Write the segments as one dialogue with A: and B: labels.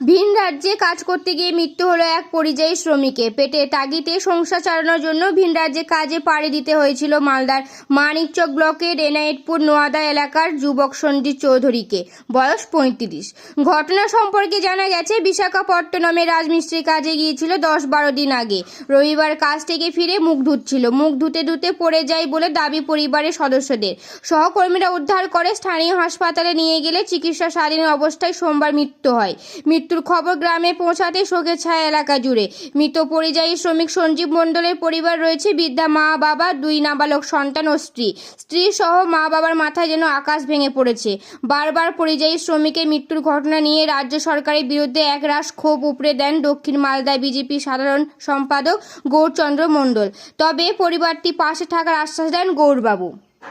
A: ভিন রাজ্যে কাজ করতে গিয়ে মৃত্যু হলো এক পরিযায়ী শ্রমিকের। পেটের তাগিদে সংসার চালানোর জন্য ভিন রাজ্যে কাজে পাড়ি দিতে হয়েছিল মালদার মানিকচক ব্লকের এনায়েতপুর নোয়াদা এলাকার যুবক সঞ্জিত চৌধুরীকে, বয়স ৩৫। ঘটনা সম্পর্কে জানা গেছে, বিশাখাপত্তনমে রাজমিস্ত্রি কাজে গিয়েছিল ১০-১২ দিন আগে। রবিবার কাজ থেকে ফিরে মুখ ধুচ্ছিল। মুখ ধুতে ধুতে পড়ে যায় বলে দাবি পরিবারের সদস্যদের। সহকর্মীরা উদ্ধার করে স্থানীয় হাসপাতালে নিয়ে গেলে চিকিৎসাধীন অবস্থায় সোমবার মৃত্যু হয়। মৃত্যুর খবর গ্রামে পৌঁছাতে শোকের ছায়া এলাকা জুড়ে। মৃত পরিযায়ী শ্রমিক সঞ্জীব মণ্ডলের পরিবার রয়েছে বৃদ্ধা মা, বাবা, 2 নাবালক সন্তান ও স্ত্রী সহ মা বাবার মাথায় যেন আকাশ ভেঙে পড়েছে। বারবার পরিযায়ী শ্রমিকের মৃত্যুর ঘটনা নিয়ে রাজ্য সরকারের বিরুদ্ধে একরাশ ক্ষোভ উপড়ে দেন দক্ষিণ মালদা বিজেপি সাধারণ সম্পাদক গৌরচন্দ্র মণ্ডল। তবে পরিবারটি পাশে থাকার আশ্বাস দেন গৌরবাবু।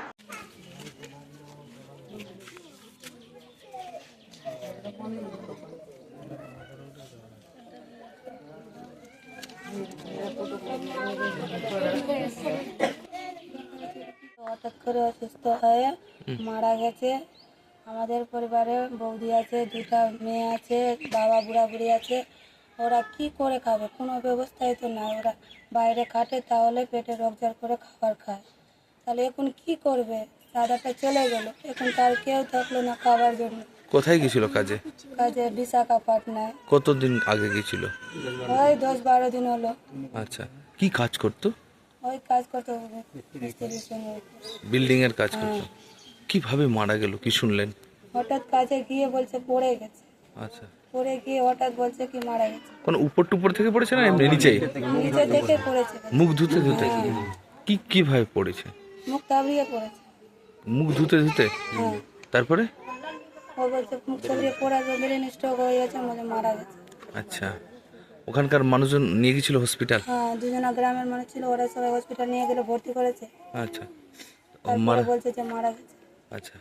B: হঠাৎ করে অসুস্থ হয়ে মারা গেছে। আমাদের পরিবারে বৌদি আছে, 2টা মেয়ে আছে, বাবা বুড়া বুড়ি আছে। ওরা কি করে খাবে? কোনো ব্যবস্থাই তো নাই। ওরা বাইরে খাটে, তাহলে পেটে রোজগার করে খাবার খায়। তাহলে এখন কি করবে? দাদাটা চলে গেল, এখন তার কেউ থাকলো না খাবার জন্য।
C: কোথায় গেছিল কাজে?
B: কাজে বিশাখাপত্তনায়।
C: কতদিন আগে গেছিল?
B: ওই 10-12 দিন হলো।
C: আচ্ছা, কি কাজ করতো?
B: ওই কাজ করতে হবে, মিস্ত্রির সঙ্গে।
C: বিল্ডিং এর কাজ করতো। কিভাবে মারা গেল কি শুনলেন?
B: হঠাৎ কাজে গিয়ে বলছে পড়ে গেছে।
C: আচ্ছা,
B: পড়ে গিয়ে হঠাৎ বলছে কি মারা গেছে।
C: কোন উপর টুপর থেকে পড়েছে না এমনি নিচেই?
B: নিচে থেকে পড়েছে।
C: মুখ ধুতে ধুতে? কিভাবে পড়েছে?
B: মুখ তাবড়িয়ে পড়েছে।
C: মুখ ধুতে ধুতে?
B: হ্যাঁ।
C: তারপরে?
B: ও বলছে মুখ তাবড়িয়ে পড়ে ব্রেন স্ট্রোক হয়ে গেছে, আমাদের মারা গেছে।
C: আচ্ছা, ওখানকার মানুষজন নিয়ে গেছিল হসপিটাল?
B: হ্যাঁ, 2 জনা গ্রামের মানুষ ছিল, ওরা সবাই হসপিটাল নিয়ে গেলে ভর্তি করেছে।
C: আচ্ছা,
B: তারপরে বলছে যে মারা গেছে।
C: আচ্ছা,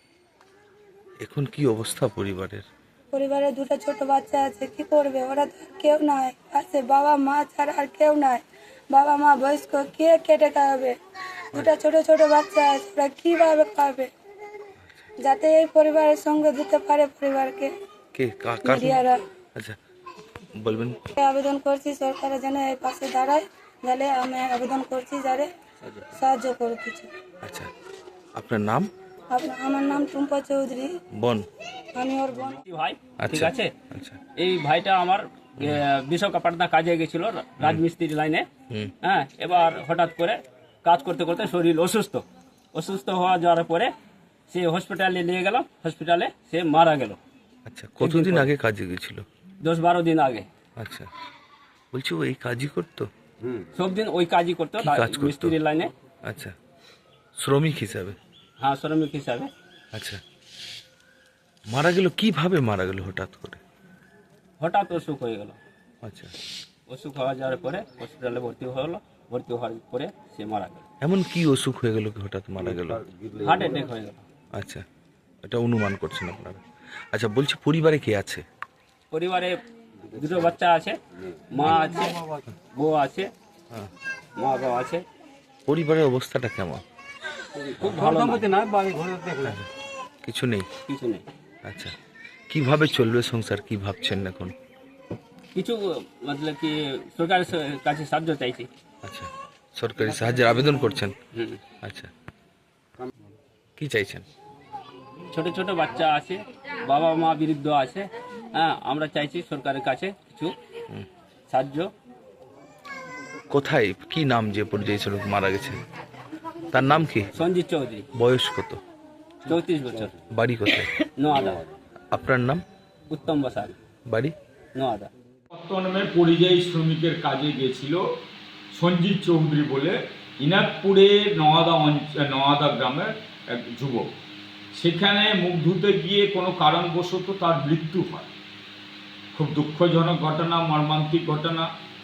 C: এখন কি অবস্থা পরিবারের?
B: পরিবারে 2টা ছোট বাচ্চা আছে, কি করবে? ওরা তো আর কেউ নাই আছে, বাবা মা ছাড়া আর কেউ নাই। বাবা মা বয়স্ক, কে কেটে খাওয়াবে? 2টা ছোট ছোট বাচ্চা আছে, ওরা কিভাবে খাবে? যাতে এই পরিবারের সঙ্গে দিতে পারে পরিবারকে
C: কে
B: মিডিয়ারা।
C: আচ্ছা, বলবেন।
B: আবেদন করছি সরকারের যেন এই পাশে দাঁড়ায়, তাহলে আমি আবেদন করছি যারে সাহায্য করে কিছু।
C: আচ্ছা, আপনার নাম?
B: আমার নাম টুম্পা চৌধুরী,
C: বোন?
B: আমি ওর বোন।
D: ভাই, ঠিক আছে।
C: আচ্ছা,
D: এই ভাইটা আমার বিশাখাপত্তনা কাজে গেছিল রাজমিস্ত্রি লাইনে। হ্যাঁ, এবার হঠাৎ করে কাজ করতে করতে শরীর অসুস্থ হওয়া যাওয়ার পরে সে হসপিটালে নিয়ে গেলাম। হসপিটালে সে মারা গেল।
C: আচ্ছা, কতদিন আগে কাজে গেছিল?
D: 10-12 দিন আগে।
C: আচ্ছা, বলছি ও এই কাজই করতো?
D: সব দিন ওই কাজই করতো,
C: কি কাজ করতো?
D: মিস্ত্রি লাইনে।
C: আচ্ছা, শ্রমিক হিসাবে?
D: হ্যাঁ, শ্রমিক হিসাবে।
C: আচ্ছা, মারা গেল কিভাবে? মারা গেল হঠাৎ করে?
D: হঠাৎ অসুখ হয়ে গেল।
C: আচ্ছা,
D: অসুখ হওয়া যাওয়ার পরে হসপিটালে ভর্তি হলো। ভর্তি হওয়ার পরে সে মারা গেল।
C: এমন কি অসুখ হয়ে গেল কি হঠাৎ মারা গেল?
D: হার্ট অ্যাটাক হয়ে গেল।
C: আচ্ছা, এটা অনুমান করছেন আপনারা? আচ্ছা, বলছি পরিবারে কে আছে?
D: পরিবারে 2টো বাচ্চা আছে, মা আছে, বউ আছে, মা বাবা আছে।
C: পরিবারের অবস্থাটা কেমন?
D: খুব ভালো না,
C: কিছু নেই?
D: কিছু নেই।
C: আচ্ছা, কিভাবে চলবে সংসার কি ভাবছেন এখন?
D: কিছু মতলব কি সরকারের কাছে সাহায্য চাইছি।
C: আচ্ছা, সরকারি সাহায্যের আবেদন করছেন?
D: হুম।
C: আচ্ছা, কি চাইছেন?
D: ছোট ছোট বাচ্চা আছে, বাবা মা বৃদ্ধ আছে। হ্যাঁ, আমরা চাইছি সরকারের কাছে কিছু সাহায্য।
C: কোথায়, কি নাম যে পরিযায়ী শ্রমিক মারা গেছে তার নাম কি?
D: সঞ্জিত চৌধুরী,
C: বয়স কত?
D: 34 বছর,
C: বাড়ি কোথায়?
D: নোয়াদা।
C: আপনার নাম?
D: উত্তম বসাক,
C: বাড়ি?
D: নোয়াদা।
E: বর্তমানে পরিযায়ী শ্রমিকের কাজে গিয়েছিল সঞ্জিত চৌধুরী বলে, ইনাকপুরে নওয়াদা গ্রামের এক যুবক। সেখানে মুখ ধুতে গিয়ে কোনো কারণবশত তার মৃত্যু হয়। খুব দুঃখজনক ঘটনা, মর্মান্তিক ঘটনা।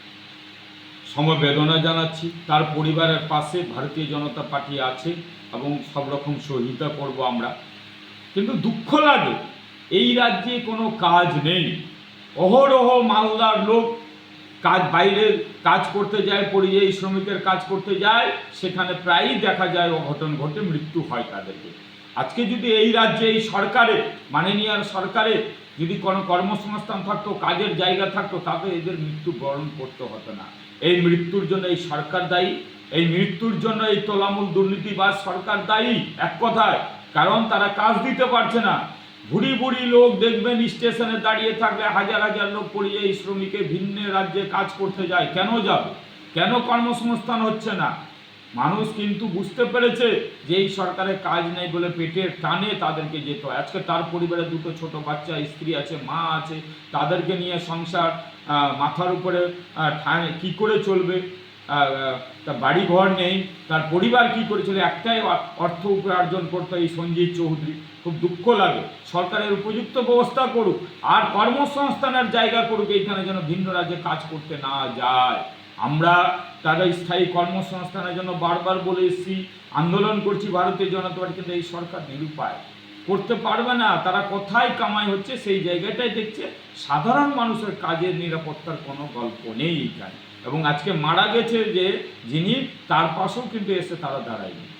E: সমবেদনা জানাচ্ছি। তার পরিবারের পাশে ভারতীয় জনতা পার্টি আছে এবং সব রকম সহযোগিতা করব আমরা। কিন্তু দুঃখ লাগে এই রাজ্যে কোনো কাজ নেই। অহরহ মালদার লোক বাইরে কাজ করতে যায়, পরিযায়ী শ্রমিকের কাজ করতে যায়, সেখানে প্রায়ই দেখা যায় অঘটন ঘটে, মৃত্যু হয় তাদেরকে। আজকে যদি এই রাজ্যে এই সরকারে, মাননীয় সরকারে যদি কোনো কর্মসংস্থান থাকতো, কাজের জায়গা থাকতো, তাতে এদের মৃত্যু বরণ করতে হতো না। এই মৃত্যুর জন্য এই সরকার দায়ী, এই মৃত্যুর জন্য এই তোলামূল দুর্নীতিবাজ সরকার দায়ী এক কথায়। কারণ তারা কাজ দিতে পারছে না। বুড়ি বুড়ি লোক দেখবেন স্টেশনে দাঁড়িয়ে থাকলে হাজার হাজার লোক পরিযায়ী শ্রমিকে ভিন্ন রাজ্যে কাজ করতে যায়। কেন যাবে? কেন কর্মসংস্থান হচ্ছে না? মানুষ কিন্তু বুঝতে পেরেছে যে এই সরকারের কাজ নেই বলে পেটের টানে তাদেরকে যেতে হয়। আজকে তার পরিবারে দুটো ছোট বাচ্চা, স্ত্রী আছে, মা আছে, তাদেরকে নিয়ে সংসার মাথার উপরে কি করে চলবে? তার বাড়ি ঘর নেই, তার পরিবার কি করে চলে? একটাই অর্থ উপার্জন করতে এই সঞ্জিত চৌধুরী। খুব দুঃখ লাগে। সরকারের উপযুক্ত ব্যবস্থা করুক আর কর্মসংস্থানের জায়গা করুক, এইখানে যেন ভিন্ন রাজ্যে কাজ করতে না যায়। আমরা তাদের স্থায়ী কর্মসংস্থানের জন্য বারবার বলে এসেছি, আন্দোলন করছি ভারতীয় জনতা পার্টি, কিন্তু এই সরকার নিরুপায়, করতে পারবে না। তারা কোথায় কামাই হচ্ছে সেই জায়গাটাই দেখছে, সাধারণ মানুষের কাজের নিরাপত্তার কোনো গল্প নেই এখানে। এবং আজকে মারা গেছে যে যিনি, তার পাশেও কিন্তু এসে তারা দাঁড়ায়নি।